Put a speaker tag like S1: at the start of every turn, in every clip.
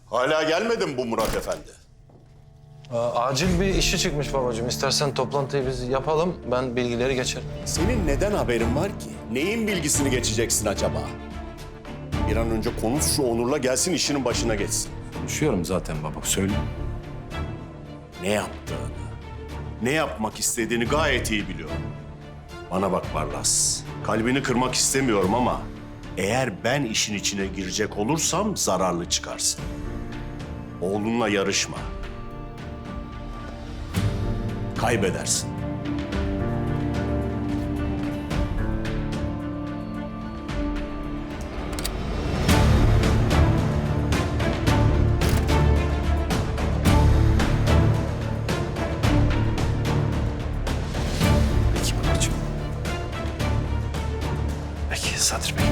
S1: Hala gelmedi mi bu Murat Efendi?
S2: Acil bir işi çıkmış babacığım. İstersen toplantıyı biz yapalım. Ben bilgileri geçerim.
S1: Senin neden haberin var ki? Neyin bilgisini geçeceksin acaba? Bir an önce konuş şu Onur'la gelsin işinin başına geçsin.
S2: Konuşuyorum zaten baba. Söyle.
S1: Ne yaptığını, ne yapmak istediğini gayet iyi biliyorum. Bana bak Barlas, kalbini kırmak istemiyorum ama eğer ben işin içine girecek olursam zararlı çıkarsın. Oğlunla yarışma. Kaybedersin.
S2: Peki babacığım. Peki Sadri Bey.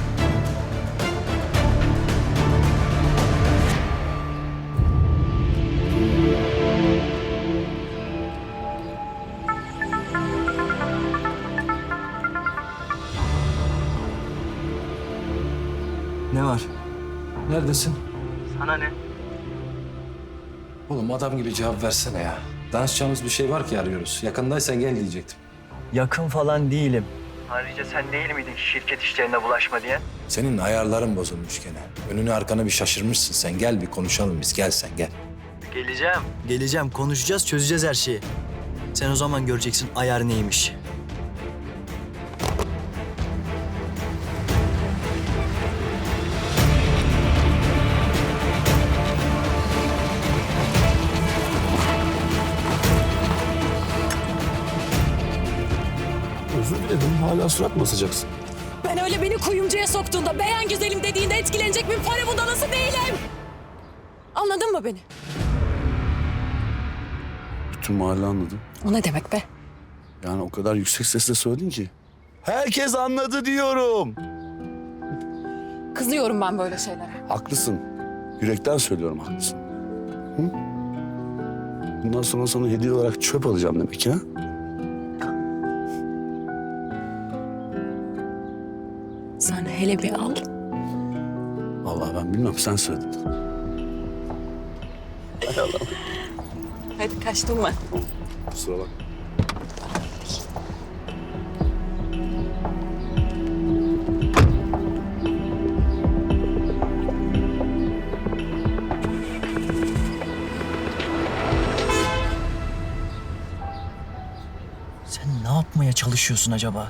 S3: Ne var?
S2: Neredesin?
S3: Sana ne?
S2: Oğlum adam gibi cevap versene ya. Danışacağımız bir şey var ki arıyoruz. Yakındaysan gel diyecektim.
S3: Yakın falan değilim. Ayrıca sen değil miydin şirket işlerine bulaşma diye?
S2: Senin ayarların bozulmuş gene. Önünü arkanı bir şaşırmışsın sen. Gel bir konuşalım biz. Gel sen gel.
S3: Geleceğim. Geleceğim, konuşacağız, çözeceğiz her şeyi. Sen o zaman göreceksin ayar neymiş.
S4: Özür dilerim. Hala surat mı asacaksın?
S5: Ben öyle beni kuyumcuya soktuğunda, beğen güzelim dediğinde etkilenecek bir para budalası değilim. Anladın mı beni?
S4: Bütün mahalle anladı.
S5: O ne demek be?
S4: Yani o kadar yüksek sesle söyledin ki. Herkes anladı diyorum.
S5: Kızıyorum ben böyle şeylere.
S4: Haklısın. Yürekten söylüyorum haklısın. Hı? Bundan sonra sana hediye olarak çöp alacağım demek ha?
S5: Sen hele bir al.
S4: Vallahi ben bilmem, sen söyledin. Hay Allah.
S5: Hadi kaçtım ben.
S4: Kusura bak.
S3: Sen ne yapmaya çalışıyorsun acaba?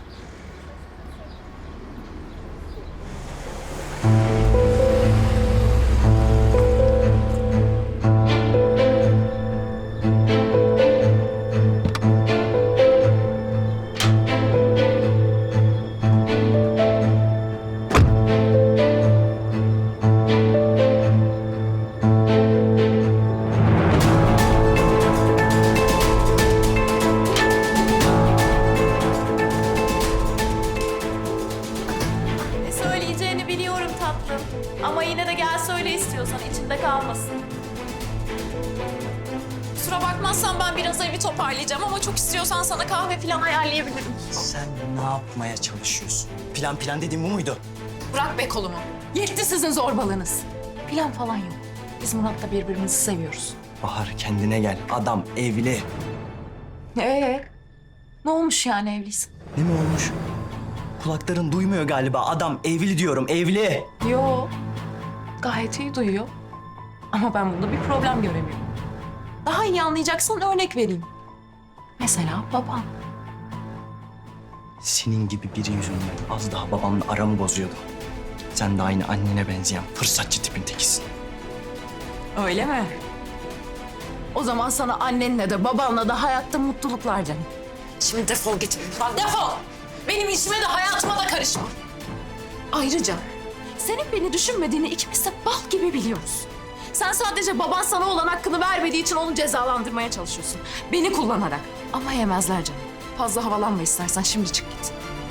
S6: Ne söyleyeceğini biliyorum tatlım. Ama yine de gel söyle istiyorsan içinde kalmasın. Kusura bakmazsan ben biraz evi toparlayacağım ama çok istiyorsan sana kahve falan ayarlayabilirim.
S3: Sen ne yapmaya çalışıyorsun? Plan dediğin bu muydu?
S5: Bırak be kolumu. Yetti sizin zorbalığınız. Plan falan yok. Biz Murat'la birbirimizi seviyoruz.
S3: Bahar kendine gel. Adam evli.
S5: Ne olmuş yani evliysin?
S3: Ne mi olmuş? Kulakların duymuyor galiba. Adam evli diyorum, evli.
S5: Yo. Gayet iyi duyuyor. Ama ben bunda bir problem göremiyorum. Daha iyi anlayacaksan örnek vereyim. Mesela babam.
S3: Senin gibi biri yüzünden az daha babamla aramı bozuyordu. Sen de aynı annene benzeyen fırsatçı tipin tekisin.
S5: Öyle mi? O zaman sana annenle de babanla da hayatta mutluluklar canım. Şimdi defol git. Lan defol! Benim işime de hayatıma da karışma. Ayrıca senin beni düşünmediğini ikimiz de bal gibi biliyoruz. Sen sadece baban sana olan hakkını vermediği için onu cezalandırmaya çalışıyorsun. Beni kullanarak. Ama yemezler canım. Fazla havalanma istersen şimdi çık git.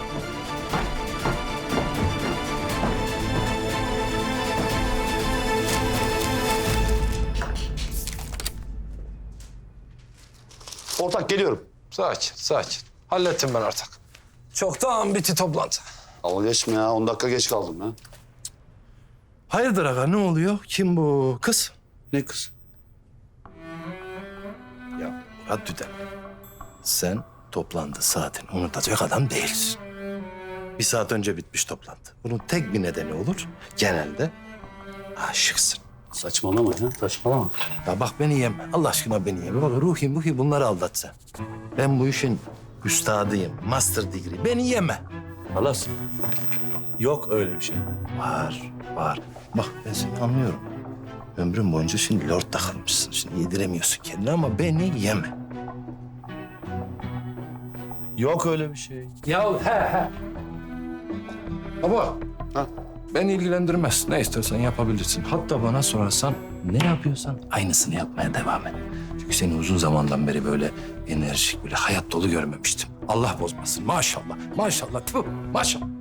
S4: Ortak geliyorum.
S2: Sakin, sakin. Hallettim ben artık. Çoktan bitti toplantı.
S4: Dalga geçme ya. 10 dakika geç kaldım ya.
S2: Hayırdır aga ne oluyor? Kim bu kız?
S4: Ne kız?
S2: Ya Murat Düden, sen toplantı saatini unutacak adam değilsin. Bir saat önce bitmiş toplantı. Bunun tek bir nedeni olur. Genelde aşıksın.
S4: Saçmalama ya, saçmalama.
S2: Ya bak beni yeme. Allah aşkına beni yeme. Bak ruhi bunları aldat sen. Ben bu işin üstadıyım. Master degree. Beni yeme.
S4: Halas, yok öyle bir şey.
S2: Var. Bak ben seni anlıyorum. Ömrün boyunca şimdi lord takılmışsın. Şimdi yediremiyorsun kendini ama beni yeme. Yok öyle bir şey. Ya he. Baba.
S4: Ha?
S2: Beni ilgilendirmez. Ne istersen yapabilirsin. Hatta bana sorarsan ne yapıyorsan aynısını yapmaya devam et. Çünkü seni uzun zamandan beri böyle enerjik, böyle hayat dolu görmemiştim. Allah bozmasın. Maşallah. Maşallah. Tüh, maşallah.